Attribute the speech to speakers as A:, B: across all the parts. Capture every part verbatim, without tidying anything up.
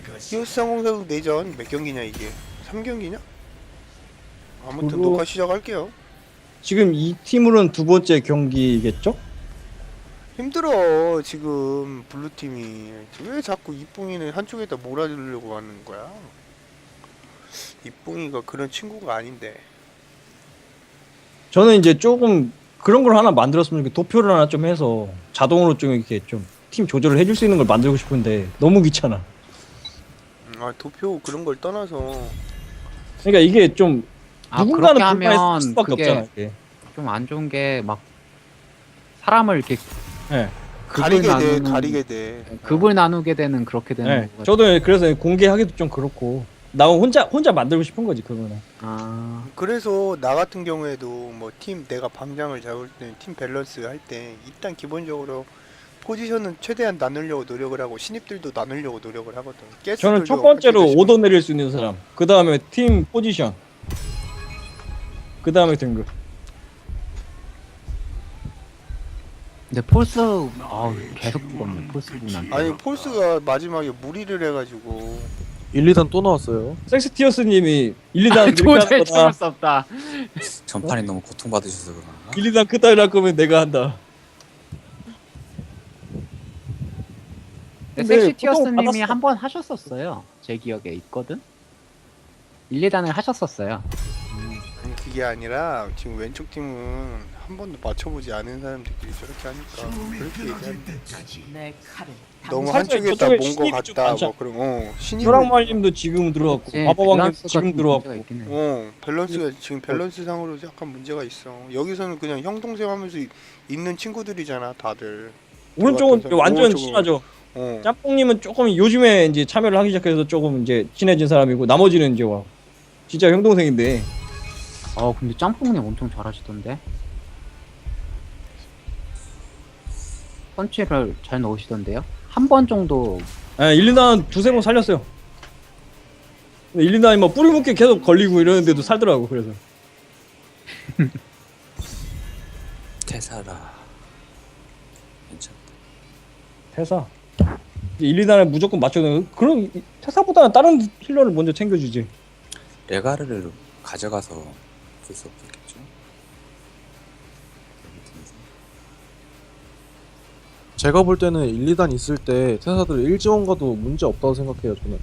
A: 히오스 상공사국 내전 몇 경기냐 이게? 삼 경기냐? 아무튼
B: 그거-
A: 녹화 시작할게요.
B: 지금 이 팀으로는 두 번째 경기겠죠?
A: 힘들어 지금 블루팀이. 왜 자꾸 이뿡이는 한쪽에다 몰아주려고 하는 거야? 이뿡이가 그런 친구가 아닌데.
B: 저는 이제 조금 그런 걸 하나 만들었으면 좋겠 도표를 하나 좀 해서 자동으로 좀 이렇게 좀 팀 조절을 해줄 수 있는 걸 만들고 싶은데 너무 귀찮아.
A: 음, 아 도표 그런 걸 떠나서
B: 그러니까 이게 좀
C: 아,
B: 누군가는
C: 그렇게
B: 불만이
C: 하면
B: 있을 수밖에
C: 그게
B: 없잖아. 이게.
C: 좀 안 좋은 게 막 사람을 이렇게
B: 네.
C: 급을
A: 가리게 돼
C: 나누는
A: 가리게 돼.
C: 급을 나누게 되는 그렇게 되는
B: 네.
C: 거가
B: 저도 그래서 공개하기도 좀 그렇고 나 혼자 혼자 만들고 싶은 거지 그거는.
C: 아
A: 그래서 나 같은 경우에도 뭐 팀 내가 방장을 잡을 때 팀 밸런스 할 때 일단 기본적으로 포지션은 최대한 나누려고 노력을 하고 신입들도 나누려고 노력을 하거든.
B: 저는
A: 가스들도
B: 첫 번째로
A: 같이
B: 오더 내릴 수 있는 사람. 그 다음에 팀 포지션. 그 다음에 등급.
C: 근데 폴스 아 계속 죽었네 폴스 분한테.
A: 아니 폴스가 마지막에 무리를 해가지고
D: 일, 이 단 또 나왔어요.
B: 섹스티어스님이 일, 이 단 이렇게 하는
C: 도저히 참을
B: 거다.
C: 수 없다.
E: 전판이 너무 고통받으셔서 그런가?
B: 일, 이 단 그따위로 할 거면 내가 한다.
C: 근데
B: 근데 보통
C: 섹시티어스님이
B: 받았어.
C: 한 번 하셨었어요. 제 기억에 있거든. 일, 이 단을 하셨었어요.
A: 아니 그게 아니라 지금 왼쪽 팀은 한 번도 맞춰보지 않은 사람들끼리 저렇게 하니까 그렇게 얘기하는
F: 내 칼을
A: 너무
B: 살짝
A: 한쪽에다
B: 저쪽에
A: 뭔 거
B: 신입이 좀
A: 같다
B: 많잖아.
A: 뭐 그런 어 신입
B: 효랑말님도 지금 들어왔고
C: 그치,
B: 마법왕님
C: 밸런스가
B: 지금
C: 좀
B: 들어왔고.
C: 문제가 있긴 해.
A: 어 밸런스가 지금 밸런스 상으로 약간 문제가 있어. 여기서는 그냥 형 동생 하면서 이- 있는 친구들이잖아 다들.
B: 오른쪽은
A: 들어왔던
B: 완전
A: 사람.
B: 친하죠.
A: 어
B: 짬뽕님은 조금 요즘에 이제 참여를 하기 시작해서 조금 이제 친해진 사람이고 나머지는 이제 와 진짜 형 동생인데
C: 어 근데 짬뽕님 엄청 잘하시던데. 펀치를 잘 넣으시던데요. 한 번 정도
B: 예, 일, 이 단 두세 번 살렸어요. 근데 일, 이 단이 뭐 뿌리 묶기 계속 걸리고 이러는데도 살더라고. 그래서
E: 테사라 괜찮다.
B: 퇴사 이제 일, 이 단을 무조건 맞춰야 그런 퇴사보다는 다른 힐러를 먼저 챙겨주지.
E: 레가르를 가져가서 볼 수 없겠죠?
D: 제가 볼 때는 일, 이 단 있을 때 태사들 일 지원 가도 문제 없다고 생각해요, 저는.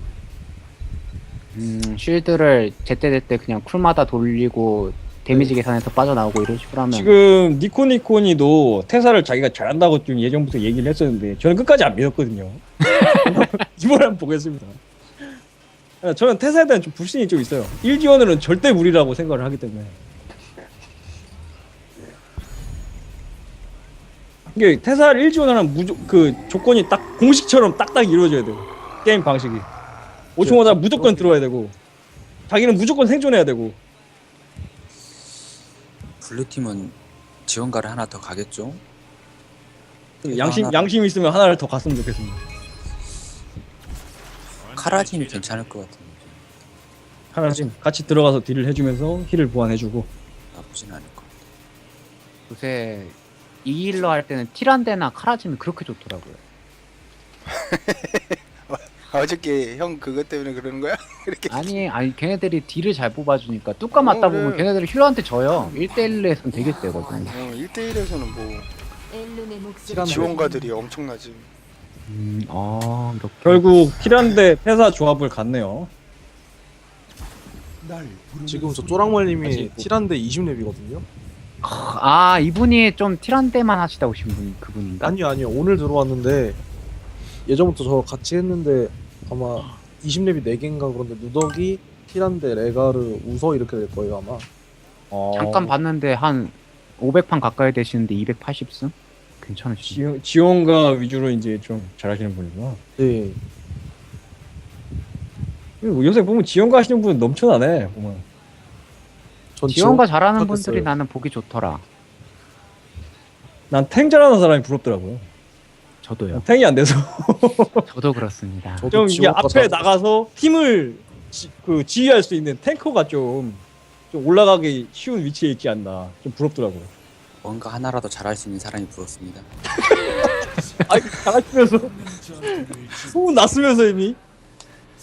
C: 음, 쉴드를 제때제때 그냥 쿨마다 돌리고 데미지 계산해서 빠져나오고 이런 식으로 하면
B: 지금 니코니코니도 퇴사를 자기가 잘한다고 좀 예전부터 얘기를 했었는데 저는 끝까지 안 믿었거든요. 이번에 한번 보겠습니다. 저는 퇴사에 대한 좀 불신이 좀 있어요. 일 지원으로는 절대 무리라고 생각을 하기 때문에. 이게 퇴사를 일 지원하는 무조, 그 조건이 딱 공식처럼 딱딱 이루어져야 돼요. 게임 방식이. 오 층마다 무조건 들어와야 되고 자기는 무조건 생존해야 되고.
E: 블루팀은 지원가를 하나 더 가겠죠?
B: 양심
E: 하나-
B: 양심 있으면 하나를 더 갔으면 좋겠습니다.
E: 카라진 괜찮을 것 같은데
B: 하나씩 같이 들어가서 딜을 해주면서 힐을 보완해주고.
E: 나쁘진 않을 것 같아.
C: 요새 이 힐러 할 때는 티란데나 카라짐이 그렇게 좋더라고요.
A: 어저께 형 그것 때문에 그러는 거야? 이렇게
C: 아니 아니 걔네들이 딜을 잘 뽑아주니까 뚜까 맞다
A: 어, 그래.
C: 보면 걔네들이 힐러한테 져요. 일 대일에선 되게 세거든.
A: 어, 일 대일에서는 뭐
F: 엘룬의 목소리
C: 시간
A: 지원가들이 엄청나지.
C: 음, 아 이렇게.
B: 결국 힐한데 퇴사 조합을 갔네요.
D: 지금 저 쪼랑말님이
B: 아직 뭐-
D: 틸한데 이십 렙이거든요.
C: 아 이분이 좀 티란데만 하시다 오신 분 그분인가?
D: 아니요, 아니요. 오늘 들어왔는데 예전부터 저 같이 했는데 아마 이십 렙이 네 개인가 그런데 누더기, 틸한데, 레가르, 우서 이렇게 될 거예요, 아마.
B: 어...
C: 잠깐 봤는데 한 오백 판 가까이 되시는데 이백팔십 승? 괜찮으시죠?
B: 지원, 지원가 위주로 이제 좀 잘하시는 분이구나.
D: 네.
B: 그리고 요새 보면 지원가 하시는 분 넘쳐나네. 보면.
D: 전
C: 지원가
D: 지원
C: 잘하는
D: 못하겠어요.
C: 분들이 나는 보기 좋더라.
B: 난 탱 잘하는 사람이 부럽더라고요.
C: 저도요.
B: 탱이 안 돼서
C: 저도 그렇습니다.
D: 저도
B: 좀 이게
D: 지원가
B: 앞에
D: 잘-
B: 나가서 팀을 지, 그 지휘할 수 있는 탱커가 좀, 좀 올라가기 쉬운 위치에 있지 않나. 좀 부럽더라고요.
E: 뭔가 하나라도 잘할 수 있는 사람이 부럽습니다.
B: 아 잘하시면서 소문 났으면서 이미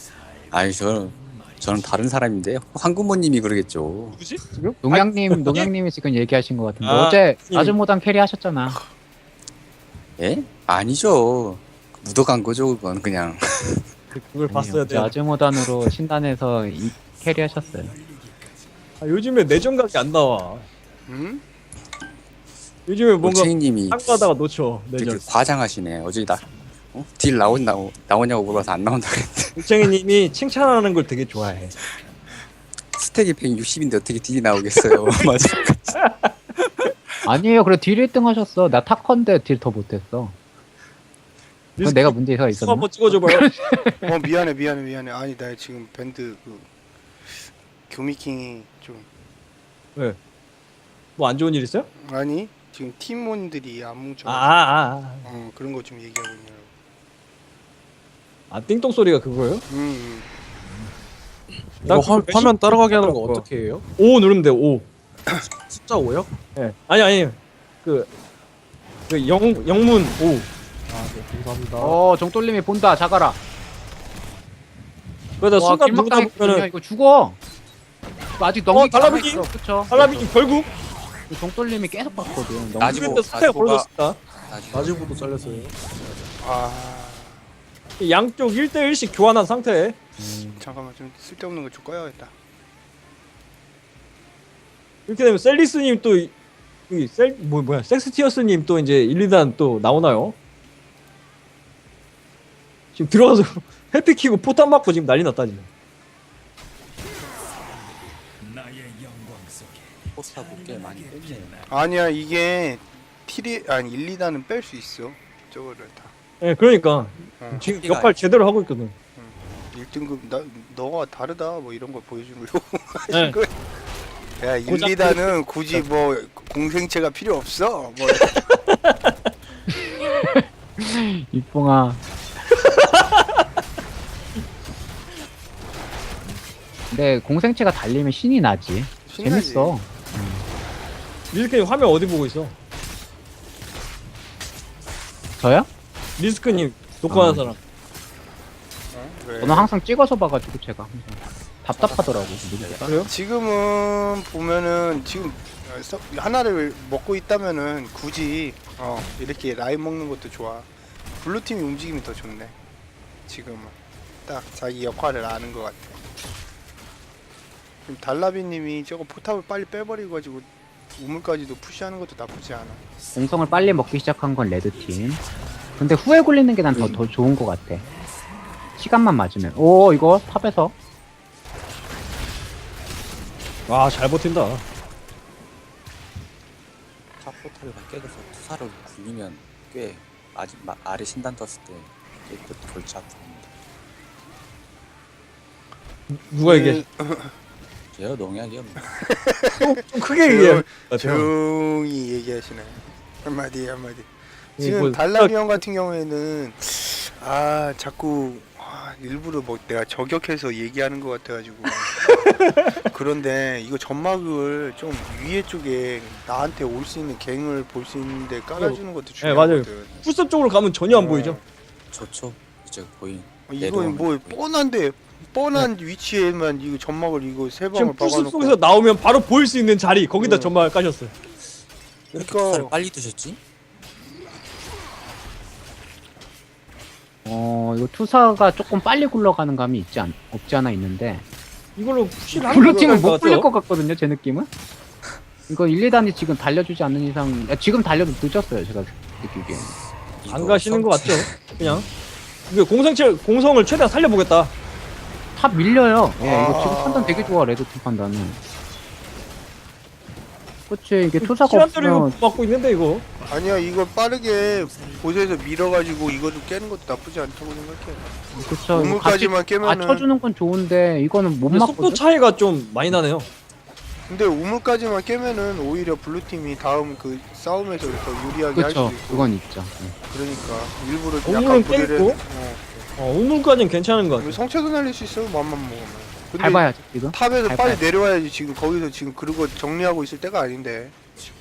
E: 아니 저는 저는 다른 사람인데 황금모님이 그러겠죠.
B: 누구지 지금?
C: 농양님, 농양님이 지금 얘기하신 것 같은데
B: 아,
C: 어제
B: 예.
C: 아즈모단 캐리 하셨잖아.
E: 예? 아니죠. 묻어간 거죠 그건 그냥.
B: 그걸 봤어야 돼.
C: 어제 아즈모단으로 신단에서 이 캐리 하셨어요.
B: 아, 요즘에 내정각이 안 나와.
A: 응?
B: 요즘에 뭔가
E: 올챙이님이
B: 상가다가 놓쳐
E: 되게
B: 내정.
E: 과장하시네. 어제 나 어? 딜 나온 나오, 나오냐고 물어서 안 나온다고 했는데
B: 울챙이님이 칭찬하는 걸 되게 좋아해.
E: 스택이 백육십인데 어떻게 딜이 나오겠어요. 맞아.
C: 아니에요. 그래 딜 일 등 하셨어. 나 타컨데 딜 더 못했어. 그건 내가 문제가
B: 수
C: 있었나?
B: 한번 찍어줘봐요.
A: 어 미안해 미안해 미안해. 아니 나 지금 밴드 그 교미킹이 좀
B: 뭐 안 좋은 일 있어요?
A: 아니 지금 팀원들이 안 뭉쳐.
B: 아, 아, 아.
A: 어 그런 거 좀 얘기하고 있냐고.
B: 아 띵동 소리가 그거예요?
A: 음.
B: 나
D: 이거 화,
B: 그거
D: 화면 따라가게 하는 거
B: 그거.
D: 어떻게 해요?
B: 오 누르면 돼. 오.
D: 숫자 오요?
B: 예. 아니 아니. 그. 그 영, 영문 오.
D: 아, 네, 감사합니다.
C: 어 정돌림이 본다. 자가라.
B: 그러다
C: 와
B: 순간 누르다
C: 길막당했거든요.
B: 보면은
C: 이거 죽어. 이거 아직 넘기지
B: 어, 달라붙기?
C: 않았어. 그쵸?
B: 할라비기 결국
C: 정돌림이 계속 봤거든. 넘기-
E: 나지모,
B: 그랬다 스태가
E: 나지모가-
B: 벌어졌다.
D: 나지부도 잘렸어요.
A: 아
B: 양쪽 일 대 일씩 교환한 상태에
A: 잠깐만 좀 쓸데없는 거 좀 꺼야겠다.
B: 이렇게 되면 셀리스님 또 이- 이 셀, 뭐, 뭐야 섹스티어스님 또 이제 일, 이 단 또 나오나요? 지금 들어가서 해피 키고 포탄 맞고 지금 난리 났다 지금.
E: 포스타 꽤 많이 뺐네요.
A: 아니야 이게 티리 아니 일, 이 단은 뺄 수 있어. 저거를 다.
B: 예, 그러니까
A: 어.
B: 지금 역할 제대로 하고 있거든.
A: 일 등급 나 너가 다르다 뭐 이런 걸 보여주려고.
B: 네.
A: 야 일,
B: 고작
A: 이 단은 굳이 뭐 공생체가 필요 없어. 뭐
C: 이뽕아. 근데 공생체가 달리면 신이 나지.
A: 신나지.
C: 재밌어.
B: 리스크님 화면 어디 보고 있어?
C: 저요?
B: 리스크님 녹화하는
C: 아.
B: 사람.
A: 어? 왜?
C: 저는 항상 찍어서 봐가지고 제가 항상 답답하더라고. 누르기가.
B: 그래요?
A: 지금은 보면은 지금 어, 서- 하나를 먹고 있다면은 굳이 어 이렇게 라인 먹는 것도 좋아. 블루 팀이 움직임이 더 좋네. 지금은 딱 자기 역할을 아는 것 같아. 지금 달라비님이 저거 포탑을 빨리 빼버리고 가지고 우물까지도 푸시하는 것도 나쁘지 않아.
C: 공성을 빨리 먹기 시작한 건 레드팀. 근데 후에 굴리는 게 난 더 더 좋은 것 같아. 시간만 맞으면. 오 이거 탑에서.
B: 와 잘 버틴다.
E: 카포탈을 깨져서 투사를 굴리면 꽤 아직 마, 아래 신단 떴을 때 꽤 골치 아픕니다.
B: 누가 이게
E: 제가 농약이요. 뭐.
B: 좀 크게 얘기해.
A: 조용히 얘기하시네. 한마디 한마디.
B: 예,
A: 지금
B: 뭐,
A: 달라비 형 같은 경우에는 아 자꾸 아, 일부러 뭐 내가 저격해서 얘기하는 것 같아가지고 그런데 이거 점막을 좀 위에 쪽에 나한테 올 수 있는 갱을 볼 수 있는데 깔아주는 것도
B: 네, 맞아요.
A: 중요하거든.
B: 풀숲 쪽으로 가면 전혀 안 보이죠?
E: 좋죠. 이제 보인.
A: 어, 이거
E: 내려오는
A: 뭐
E: 거 보이죠.
A: 뻔한데 뻔한 위치에만 이거 점막을 이거 세
B: 지금
A: 방을
B: 풀숲
A: 박아놓고
B: 속에서 나오면 바로 보일 수 있는 자리 거기다
A: 음.
B: 전망을 까셨어요.
E: 왜 이렇게
A: 그러니까-
E: 투사를 빨리 두셨지?
C: 어 이거 투사가 조금 빨리 굴러가는 감이 있지 않 없지 않아 있는데.
B: 이걸로 푸시를 하는
C: 블루팀은
B: 것
C: 못 굴릴
B: 같죠?
C: 것 같거든요. 제 느낌은. 이거 일, 이 단이 지금 달려주지 않는 이상 야, 지금 달려도 늦었어요. 제가 느끼기엔.
B: 안
E: 이거
B: 가시는 것
E: 성체-
B: 같죠? 그냥 이게 공성체 공성을 최대한 살려보겠다.
C: 탑 밀려요. 예, 이거
A: 아.
C: 지금 판단 되게 좋아. 레드팀 판단은. 그치 이게 투사가
B: 시간 때리고
C: 없으면
B: 맞고 있는데 이거.
A: 아니야 이거 빠르게 보세에서 밀어가지고 이것도 깨는 것도 나쁘지 않다고 생각해.
C: 그쵸. 이거 같이
A: 우물까지만 깨면은
C: 맞춰주는 건 좋은데 이거는 못
B: 근데 속도
C: 맞거든.
B: 차이가 좀 많이 나네요.
A: 근데 우물까지만 깨면은 오히려 블루팀이 다음 그 싸움에서 더 유리하게 할
C: 그쵸.
A: 수도 있고.
C: 그건 있죠. 예.
A: 그러니까 일부러
B: 우물은
A: 약간 무리를
B: 깨고?
A: 어.
B: 어, 우물까지는 괜찮은 것
A: 이거
B: 같아.
A: 성체도 날릴 수 있어 맘만 먹으면. 근데
C: 밟아야지 지금.
A: 탑에서
C: 밟아야지.
A: 빨리 내려와야지. 지금 거기서 지금 그러고 정리하고 있을 때가 아닌데.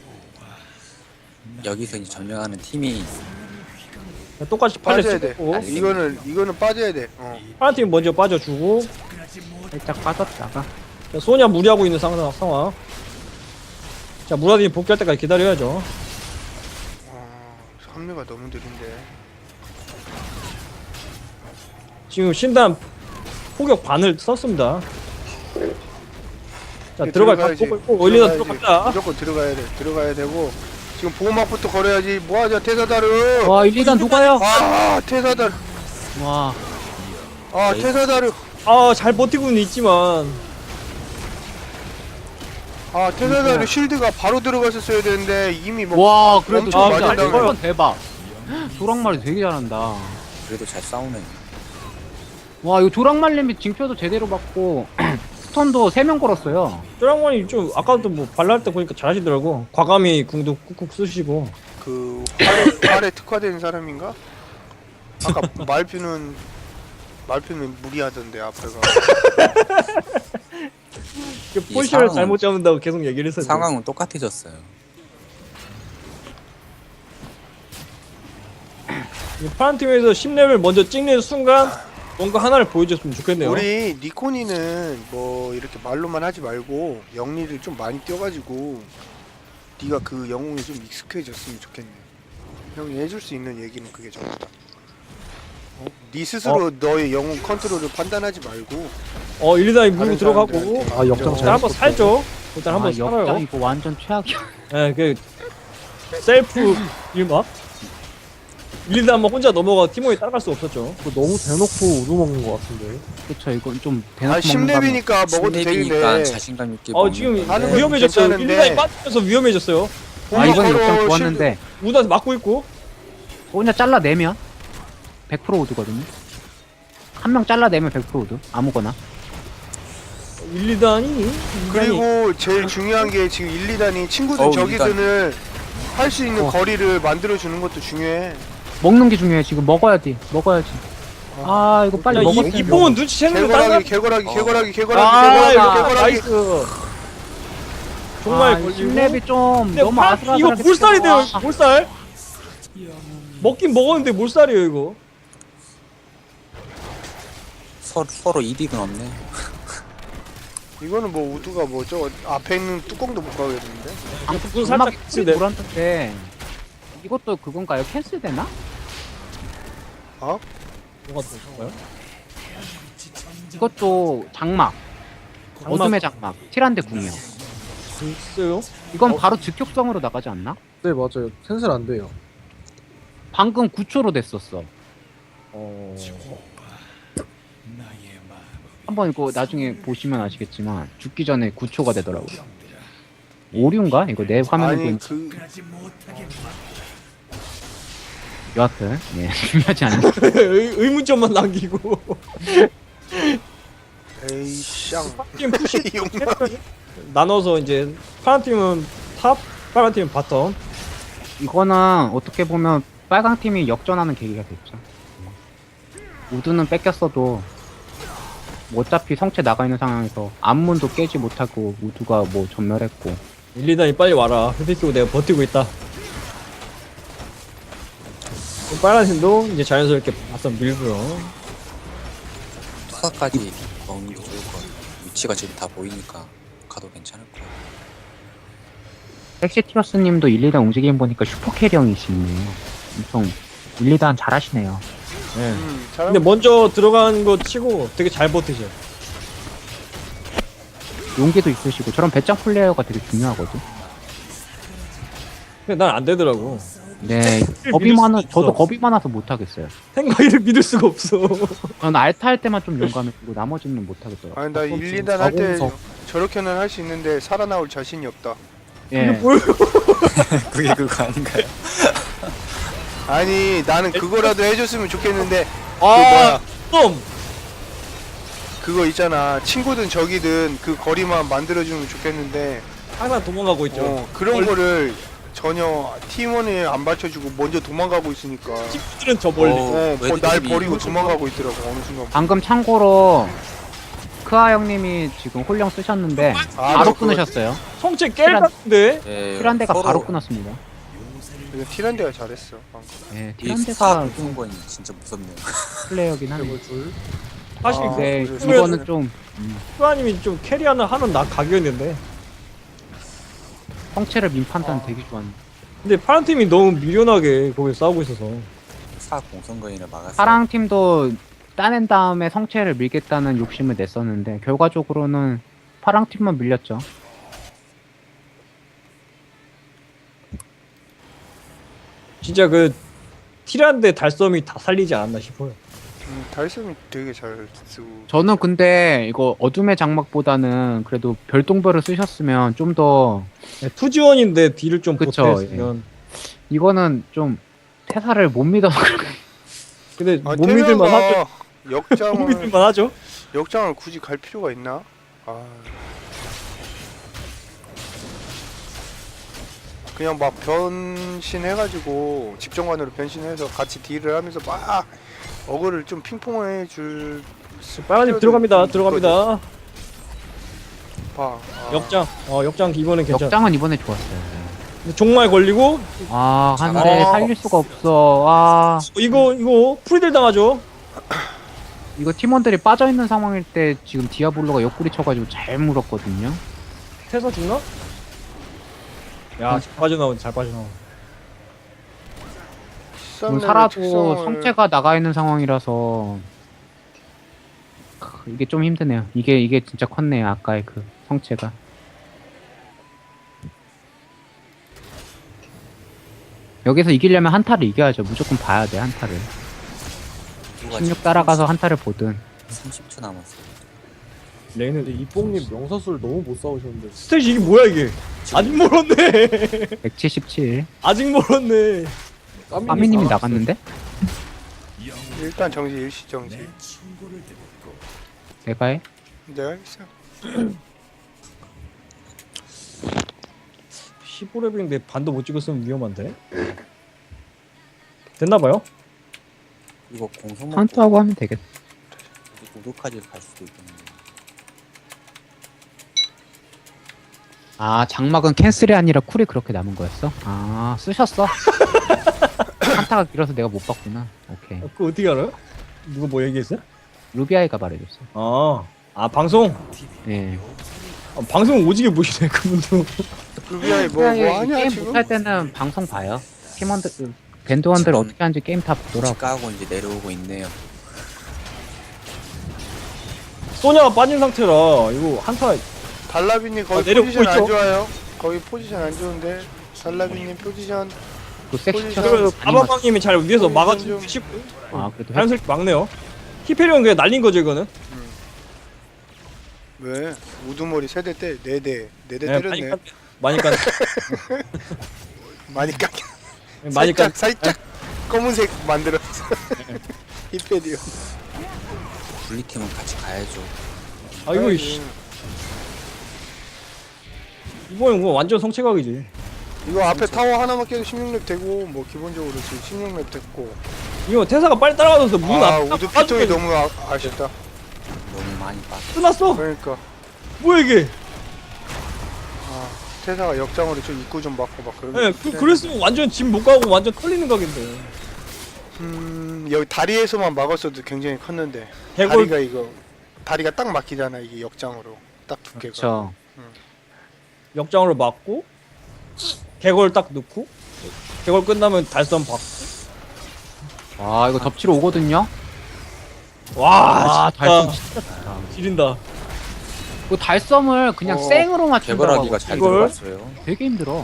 E: 여기서 이제 점령하는 팀이
B: 똑같이 팔려
A: 빠져야 돼.
B: 찍고
A: 이거는 이거는 빠져야 돼. 어.
B: 하나 팀 먼저 빠져주고
C: 살짝 빠졌다가
B: 자, 소냐 무리하고 있는 상황. 상황. 자, 무라딘이 복귀할 때까지 기다려야죠.
A: 어, 합류가 너무 느린데.
B: 지금 신단 포격 반을 썼습니다. 자,
A: 이게
B: 들어갈
A: 들어가야지.
B: 각도 있고 올리다
A: 들어가야지.
B: 들어갔다.
A: 무조건 들어가야 돼. 들어가야 되고 지금 보호막부터 걸어야지. 뭐하자 테사다르.
C: 와 일, 이 단 누가요?
A: 아 테사다르.
C: 와
A: 아
E: 네.
A: 테사다르.
B: 아, 잘 버티고는 있지만
A: 아 테사다르 쉴드가 바로 들어갔었어야 되는데 이미 뭐
C: 와 그래도
A: 엄청
C: 진짜
B: 맞은
A: 다음에.
C: 이건 대박. 조랑말이 되게 잘한다.
E: 그래도 잘 싸우네.
C: 와 이거 조랑말님이 징표도 제대로 받고 스톤도 세 명 걸었어요.
B: 쪼랑만이 좀 아까도 뭐 발랄 때 보니까 잘하시더라고. 과감히 궁도 꾹꾹 쓰시고.
A: 그 활에, 활에 특화된 사람인가? 아까 말표는 말표는 무리하던데 앞에가.
B: 그
E: 이
B: 포지션을
E: 상황은-
B: 잘못 잡는다고 계속 얘기를 했었죠.
E: 상황은 똑같아졌어요.
B: 이 파란 팀에서 십 레벨 먼저 찍는 순간 뭔가 하나를 보여줬으면 좋겠네요.
A: 우리 니코니는 뭐 이렇게 말로만 하지 말고 영리를 좀 많이 띄워가지고 네가 그 영웅이 좀 익숙해졌으면 좋겠네. 형이 해줄 수 있는 얘기는 그게 전부다. 어? 네 스스로 너의 영웅 컨트롤을 판단하지 말고
B: 어, 일리다이 물고
A: 다른
B: 들어가고
A: 사람들한테
D: 아, 역장
A: 인정.
B: 일단 한번 살죠. 일단 한번
C: 아, 역장
B: 살아요.
C: 이거 완전 최악이야.
B: 예, 그 셀프 일막. 일리다 한번 혼자 넘어가 팀원이 따라갈 수 없었죠.
D: 이거 너무 대놓고 우두 먹는 것 같은데.
C: 그쵸 이건 좀 대놓고
A: 아 십
C: 먹는다면-
A: 렙이니까 먹어도
E: 신맵이니까
A: 되는데
E: 자신감 있게
B: 어,
E: 먹는
B: 지금
E: 거.
A: 하는 건
B: 위험해졌어요.
A: 괜찮은데.
B: 일리다이 빠지면서 위험해졌어요.
C: 아 이건
A: 보호막으로
C: 역장
A: 쉴드-
C: 좋았는데
B: 우다 막고 있고.
C: 혼자 잘라내면 백 퍼센트 오드거든요. 한 명 잘라내면 백 퍼센트 오드 아무거나.
B: 일리단이
A: 그리고 제일 중요한 게 지금 일, 이 단이 친구들
E: 어우,
A: 저기들을 할 수 있는
C: 어.
A: 거리를 만들어 주는 것도 중요해.
C: 먹는 게 중요해. 지금 먹어야지 먹어야지. 아 이거 빨리
B: 야,
C: 먹었어.
B: 이, 이뽕은 눈치채는 거
A: 개거라기
B: 따라.
A: 개거라기
E: 어.
A: 개거라기
B: 아,
A: 개거라기
B: 이거
A: 개거라기 개거라기.
B: 나이스. 정말
C: 아,
B: 걸리고.
C: 십 렙이 좀
B: 근데
C: 너무
B: 파-
C: 아슬아슬하게
B: 이거 몰살이 돼요.
C: 와.
B: 몰살. 먹긴 먹었는데 몰살이에요 이거.
E: 서, 서로 이득은 없네.
A: 이거는 뭐 우두가 뭐 저 앞에 있는 뚜껑도 못 가겠는데.
C: 아,
B: 그건
C: 음악
B: 살짝
C: 소리
B: 네.
C: 불안한데 이것도 그건가요? 캔슬되나?
A: 어?
B: 뭐가 들어가요?
C: 이것도 장막.
B: 장막.
C: 어둠의 장막. 티란데 궁이요.
B: 글쎄요.
C: 이건 바로 즉격성으로 나가지 않나?
D: 네, 맞아요. 캔슬 안 돼요.
C: 방금 구 초로 됐었어.
B: 어.
C: 한번 이거 나중에 보시면 아시겠지만 죽기 전에 구 초가 되더라고요. 오류인가? 이거 내 화면에
A: 아니
C: 보니까
A: 그
C: 여하튼 예 중요하지 않은
B: 의, 의문점만 남기고.
A: 에이샹
B: 팀 푸시
A: 용마.
B: 나눠서 이제 파란 팀은 탑, 파란 팀은 바텀.
C: 이거는 어떻게 보면 빨강 팀이 역전하는 계기가 됐죠. 우드는 뺏겼어도 뭐 어차피 성체 나가 있는 상황에서 암문도 깨지 못하고 우드가 뭐 전멸했고
B: 일리단이 빨리 와라. 회피키고 내가 버티고 있다. 빨간 팀도 이제 자연스럽게 바텀 밀고요.
E: 투사까지 먹는 게 좋을 것 같아. 위치가 지금 다 보이니까 가도 괜찮을 거야.
C: 섹시티어스님도 일, 이 단 움직임 보니까 슈퍼 캐리형이시네요. 엄청 일, 이 단 잘하시네요.
B: 네.
A: 음, 잘하고
B: 근데 먼저 들어간 거 치고 되게 잘 버티죠.
C: 용기도 있으시고 저런 배짱 플레이어가 되게 중요하거든.
B: 근데 난 안 되더라고.
C: 네,
B: 믿을
C: 겁이
B: 수도
C: 많아.
B: 있어.
C: 저도 겁이 많아서 못 하겠어요.
B: 생각이를 믿을 수가 없어.
C: 저는 알타 할 때만 좀 용감했고 나머지는 못 하겠더라고요.
A: 아니 나 일, 이 단 할 때
D: 자공석.
A: 저렇게는 할 수 있는데 살아나올 자신이 없다.
C: 예.
E: 그게 그거 아닌가요?
A: 아니 나는 그거라도 해줬으면 좋겠는데 그
B: 아,
A: 뭐야
B: 좀.
A: 그거 있잖아 친구든 적이든 그 거리만 만들어주면 좋겠는데
B: 항상 도망가고 있죠.
A: 어, 그런 거를 전혀 팀원이 안 받쳐주고 먼저 도망가고 있으니까
B: 친구들은 저 멀리.
E: 어.
A: 어,
E: 왜
A: 뭐 날
E: 팀이
A: 버리고
E: 이거
A: 도망가고 있더라고 어느 순간.
C: 방금 참고로 크아 형님이 지금 홀령 쓰셨는데
A: 아,
C: 바로
A: 저 그거-
C: 끊으셨어요.
B: 성체 깰 같은데.
E: 예,
C: 티란데가
E: 서로
C: 바로 끊었습니다.
A: 이거 티란데가 잘했어 방금.
C: 예,
E: 이 스타
C: 티란데가
E: 붙은 건 진짜 무섭네요.
C: 플레이어긴 하네.
D: 이걸 줄.
B: 사실
A: 아,
B: 그
C: 근데
A: 그래서
C: 이거는 좀
B: 수아님이 좀 캐리하는 하는 나 각이었는데
C: 성체를 민 판단
A: 아.
C: 되게 좋았는데
B: 근데 파란 팀이 너무 미련하게 거기 싸우고 있어서
E: 사 공성거인을 막았어요.
C: 파랑 팀도 따낸 다음에 성체를 밀겠다는 욕심을 냈었는데 결과적으로는 파랑 팀만 밀렸죠.
B: 진짜 그 티란데 달섬이 다 살리지 않았나 싶어요.
A: 음, 달섬이 되게 잘 쓰고.
C: 저는 근데 이거 어둠의 장막보다는 그래도 별똥별을 쓰셨으면 좀 더
B: 네, 투지원인데 딜을 좀
C: 그쵸,
B: 보태면
C: 이거는 좀 태사를 못 믿어서 그런
B: 근데
A: 아,
B: 못 믿을만 하죠. 못
A: 역장을
B: 믿을만 하죠.
A: 역장을 굳이 갈 필요가 있나? 아. 그냥 막 변신해가지고 집정관으로 변신해서 같이 딜을 하면서 막 어그를 좀 핑퐁해 줄.
B: 빨간님 들어갑니다. 들어갑니다.
A: 봐. 아.
B: 역장. 어 역장 이번엔 괜찮아.
C: 역장은 이번에 좋았어요.
B: 근데 종말 걸리고
C: 아 한대
B: 아.
C: 살릴 수가 없어. 아
B: 이거 이거 프리딜 당하죠.
C: 이거 팀원들이 빠져 있는 상황일 때 지금 디아블로가 옆구리 쳐가지고 잘 물었거든요.
B: 태서 죽나? 야, 잘 빠져나온, 잘 빠져나온.
C: 지금 살아도 성체가 나가 있는 상황이라서 크, 이게 좀 힘드네요. 이게 이게 진짜 컸네요. 아까의 그 성체가. 여기서 이기려면 한타를 이겨야죠. 무조건 봐야 돼 한타를. 십육 따라가서 한타를 보든.
E: 삼십 초 남았어요.
B: 레이는
D: 근데 이뽕님 명사수를 너무 못 싸우셨는데
B: 스테이지 이게 뭐야 이게? 아직 멀었네.
C: 백칠십칠.
B: 아직 멀었네.
C: 빠미님이 나갔는데?
A: 일단 정지 일시 정지.
C: 내가 해?
A: 내가 있어.
B: 십오 레벨인데 반도 못 찍었으면 위험한데. 됐나봐요.
E: 이거 공성 먹고
C: 한타하고 하면 되겠다.
E: 우도까지 갈 수도 있겠네요.
C: 아 장막은 캔슬이 아니라 쿨이 그렇게 남은 거였어? 아 쓰셨어? 한타가 길어서 내가 못 봤구나. 오케이.
B: 그거 어떻게 알아요? 누가 뭐 얘기했어?
C: 루비아이가 말해줬어.
B: 아, 아 방송.
C: 예.
B: 아, 방송 오지게 보시네 그분도.
A: 루비아이 뭐,
C: 루비아이
A: 뭐 하냐
C: 게임
A: 지금?
C: 못할 때는 방송 봐요. 팀원들 그 밴드원들
E: 지금
C: 어떻게 하는지 게임 다 보더라고.
E: 까고 이제 내려오고 있네요.
B: 소냐가 빠진 상태라 이거 한타.
A: 달라비님 거기
B: 아, 내려오고
A: 포지션 안
B: 있죠?
A: 좋아요. 거기 포지션 안 좋은데. 달라비님 포지션.
C: 그 섹시
A: 포지션.
C: 쳐.
B: 그래도 아바방님이 잘 위에서
A: 포지션
B: 막아주고
A: 좀-
B: 싶고
C: 아 그래도 해.
B: 자연스럽게 막네요. 히페리온 그냥 날린 거죠 이거는.
A: 왜? 우두머리 세대 때 네 대. 네 대
B: 네,
A: 때렸네.
B: 많이 깐,
A: 많이 깎.
B: 많이 깐,
A: 살짝 살짝 검은색 만들었어. 히페디오.
E: 분리팀은 같이 가야죠.
B: 아 이거 씨, 이번엔 뭐 완전 성체각이지.
A: 이거 앞에 타워 하나만 깨도 십육 렙 되고 뭐 기본적으로 지금 십육 렙 됐고.
B: 이거 태사가 빨리 따라가서 문
A: 아
B: 앞.
A: 우드 피통이 너무 아, 아쉽다.
E: 너무 많이 빠져.
B: 끝났어.
A: 그러니까
B: 뭐야 이게?
A: 아 태사가 역장으로 좀 입구 좀 막고 막 그러고.
B: 예, 그, 그랬으면 완전 집 못 가고 완전 털리는 각인데.
A: 음 여기 다리에서만 막았어도 굉장히 컸는데.
B: 개골
A: 다리가 이거 다리가 딱 막히잖아 이게 역장으로 딱 두께가.
C: 그렇죠.
B: 역장으로 맞고 개골 딱 넣고 개골 끝나면 달선 받고.
C: 와 이거 덮치러 오거든요.
B: 와,
C: 아
B: 진짜
C: 달섬 진짜 좋다.
B: 지린다.
C: 그 달섬을 그냥
A: 어,
C: 생으로 맞춘다고
E: 개발하기가
C: 하고
E: 잘
B: 이걸?
E: 들어갔어요.
C: 되게 힘들어.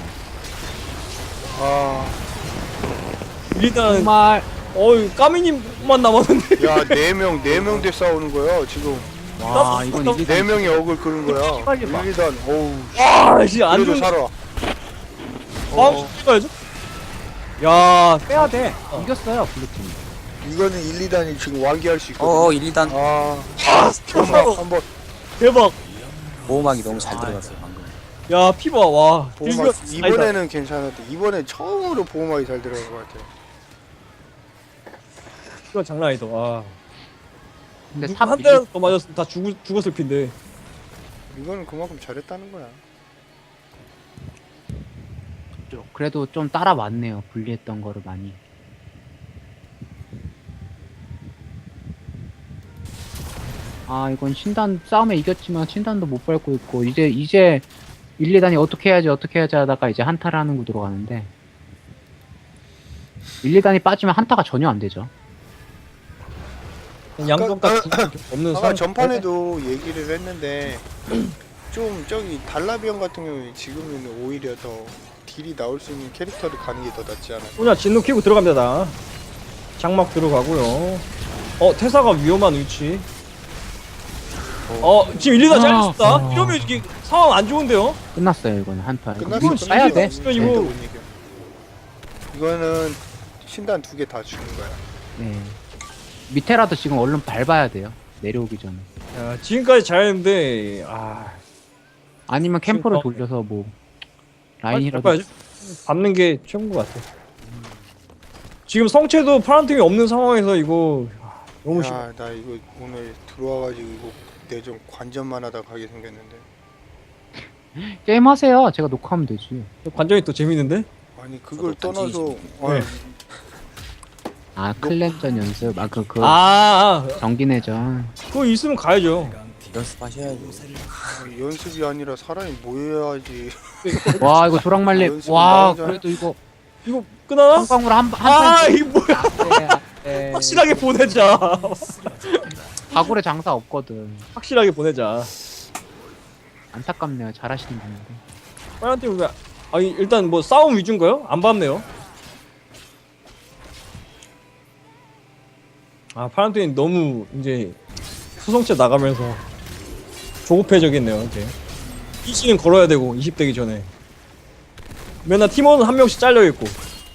A: 아,
B: 일단
C: 정말
B: 어이 까미님만 남았는데.
A: 야, 네 명, 네 명 대 싸우는 거야, 지금.
C: 와 이건 이게
A: 네 명이 억을 끄는 거야.
C: 빨리 봐.
A: 일, 이 단, 어우,
B: 아, 씨, 안
A: 그래도
B: 좋은
A: 살아.
B: 다음 찍어야죠. 야,
C: 빼야 돼. 이겼어요 블루팀.
A: 이거는 일, 이 단이 지금 완기할 수 있거든.
E: 어어 일, 이 단
A: 아,
B: 대박.
A: 한번, 한번,
B: 대박.
E: 보호막이 너무 잘 들어갔어요 방금.
B: 야, 피봐 와.
A: 보호막,
B: 딜교-
A: 이번에는 괜찮았대. 이번엔 처음으로 보호막이 잘 들어간 것 같아.
B: 이거 장난 아니다. 와.
C: 근데
B: 누구
C: 탑
B: 한 대라도 더 맞았으면 다 죽, 죽었을 핀데.
A: 이거는 그만큼 잘했다는 거야.
C: 이겼죠. 그래도 좀 따라왔네요. 분리했던 거를 많이. 아 이건 신단 싸움에 이겼지만 신단도 못 밟고 있고 이제 이제 일, 이 단이 어떻게 해야지 어떻게 해야지 하다가 이제 한타를 하는 구도로 가는데 일, 이 단이 빠지면 한타가 전혀 안 되죠.
B: 양쪽까지 없는
A: 아까
B: 상황.
A: 전판에도 얘기를 했는데 좀 저기 달라비언 같은 경우에 지금은 오히려 더 딜이 나올 수 있는 캐릭터를 가는 게 더 낫지 않아요?
B: 소냐 진노 키고 들어갑니다. 장막 들어가고요. 어 태사가 위험한 위치. 어 지금 일리다 잘렸다.
C: 아.
B: 이러면 이게 상황 안 좋은데요?
C: 끝났어요 이건 한타. 이거
A: 끝났어.
C: 밀고 싸야 돼.
B: 이거 이거-
A: 못 이겨. 이거는 신단 두 개 다 주는 거야.
C: 네. 밑에라도 지금 얼른 밟아야 돼요. 내려오기 전에.
B: 야, 지금까지 잘했는데 아
C: 아니면 캠프를
B: 지금-
C: 돌려서 뭐
B: 빨리
C: 라인이라도
B: 밟아야지. 밟는 게 최고인 것 같아. 지금 성체도 파란 팀이 없는 상황에서 이거 아, 너무 심해.
A: 야, 나 이거 오늘 들어와가지고 이거 내좀 관전만 하다 가게 생겼는데.
C: 게임 하세요. 제가 녹화하면 되지.
B: 관전이 또 재밌는데?
A: 아니 그걸
E: 저도
A: 떠나서
E: 관전이
A: 아,
B: 네.
C: 아 클랜전 연습. 아 그 그
B: 아, 아
C: 정기내전.
B: 그거 있으면 가야죠.
E: 연습하셔야죠.
A: 연습이 아니라 사람이 모여야지.
C: 와 이거 조랑말리.
A: 연습은
C: 와
A: 나오잖아.
C: 그래도 이거
B: 이거 끝나나?
C: 한방으로 한한
B: 아
C: 판.
B: 이거 뭐야?
C: 네.
B: 확실하게 보내자.
C: 가구래 장사 없거든.
B: 확실하게 보내자.
C: 안타깝네요. 잘하시는 분인데.
B: 파란 팀 왜? 아니 일단 뭐 싸움 위주인가요? 안 봤네요. 아 파란 팀이 너무 이제 수성체 나가면서 조급해져겠네요. 이제 이씨는 걸어야 되고 이십 되기 전에 맨날 팀원은 한 명씩 잘려 있고.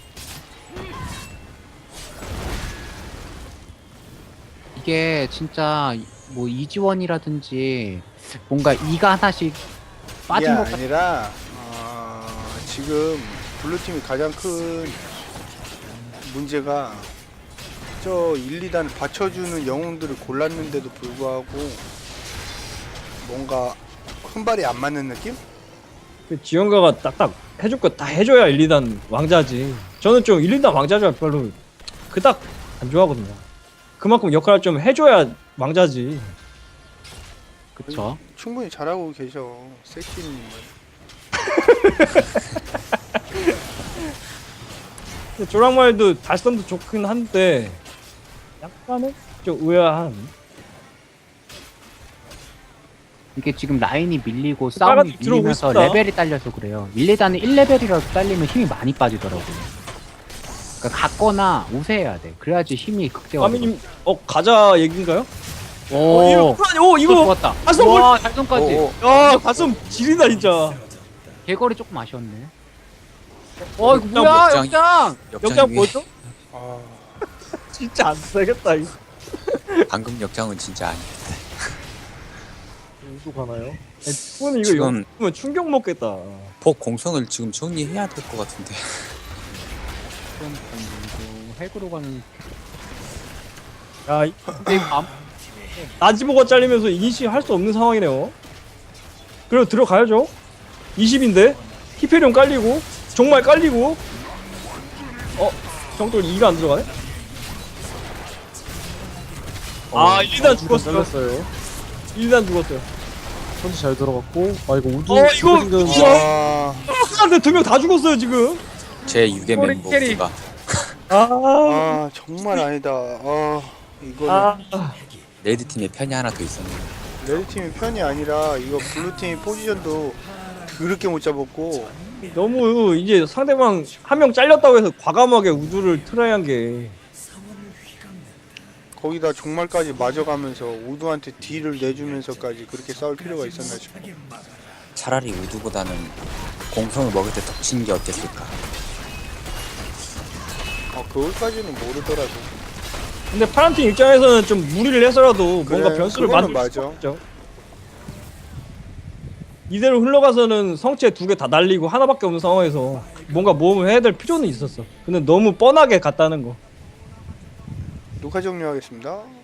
C: 이게 진짜 뭐 이지원이라든지 뭔가 이가 하나씩 빠진
A: 이게
C: 것 같아.
A: 아니라 어, 지금 블루팀이 가장 큰 문제가 저 일, 이 단 받쳐주는 영웅들을 골랐는데도 불구하고 뭔가 손발이 안 맞는 느낌?
B: 그 지원가가 딱딱 해줄 거 다 해줘야 일, 이 단 왕자지. 저는 좀 일, 이 단 왕자를 별로 그닥 안 좋아하거든요. 그만큼 역할을 좀 해줘야 왕자지.
C: 그쵸?
A: 충분히 잘하고 계셔 섹시님은.
B: 조랑말도 달성도 좋긴 한데 약간은 좀 의아한.
C: 이게 지금 라인이 밀리고
B: 빨간
C: 싸움이
B: 팀 들어오고
C: 밀리면서
B: 있습니다.
C: 레벨이 딸려서 그래요. 일, 이 단은 일 레벨이라도 딸리면 힘이 많이 빠지더라고요. 그러니까 갔거나 우세해야 돼. 그래야지 힘이 극대화.
B: 아미님 어 가자 얘긴가요? 어,
C: 오,
B: 이거 오
C: 이거
B: 이거
C: 좋았다.
B: 가슴
C: 와, 달성까지.
A: 오,
B: 야 가슴 지린다 진짜.
C: 개거리 조금 아쉬웠네. 어, 이거
B: 역장,
C: 뭐야,
E: 역장.
C: 역장!
B: 역장
E: 역장
B: 뭐죠?
A: 아,
B: 진짜 안 되겠다 이거.
E: 방금 역장은 진짜 아니에요.
D: 또 가나요?
B: 이거는 이거
E: 지금-
B: 이거 충격 먹겠다.
E: 폭 공성을 지금 정리해야 될 것 같은데.
C: 그럼 그 핵으로 가는.
B: 야 이-
C: 근데 이거 안-
B: 나지보가 잘리면서 이니시 할 수 없는 상황이네요. 그리고 들어가야죠. 이십인데 히페리온 깔리고 정말 깔리고. 어 정돌 이가 안 들어가네? 아 일 단 죽었어.
D: 잘렸어요.
B: 일 단 죽었어요.
D: 선지 잘 들어갔고 아 이거 우두
B: 어, 이거-
D: 생겼는데
B: 이거-
A: 아,
B: 한데 두 명 다 죽었어요 지금.
E: 제 육의
B: 꼬리
E: 멤버
B: 캐리.
E: 누가
B: 아,
A: 아 정말 아니다. 아 이거는
B: 아,
E: 레드 팀에 편이 하나 더 있었네요.
A: 레드팀이 편이 아니라 이거 블루팀이 포지션도 그렇게 못 잡았고
B: 너무 이제 상대방 한 명 잘렸다고 해서 과감하게 우두를 트라이한 게.
A: 거기다 종말까지 맞아가면서 우두한테 딜을 내주면서까지 그렇게 싸울 필요가 있었나 싶어.
E: 차라리 우두보다는 공성을 먹을 때 덮치는 게 어땠을까.
A: 아 그걸까지는 모르더라도.
B: 근데 파란팀 입장에서는 좀 무리를 해서라도
A: 그래,
B: 뭔가 변수를
A: 그거는
B: 만들 수
A: 맞아.
B: 없죠. 이대로 흘러가서는 성체 두 개 다 날리고 하나밖에 없는 상황에서 뭔가 모험을 해야 될 필요는 있었어. 근데 너무 뻔하게 갔다는 거.
A: 녹화 종료하겠습니다.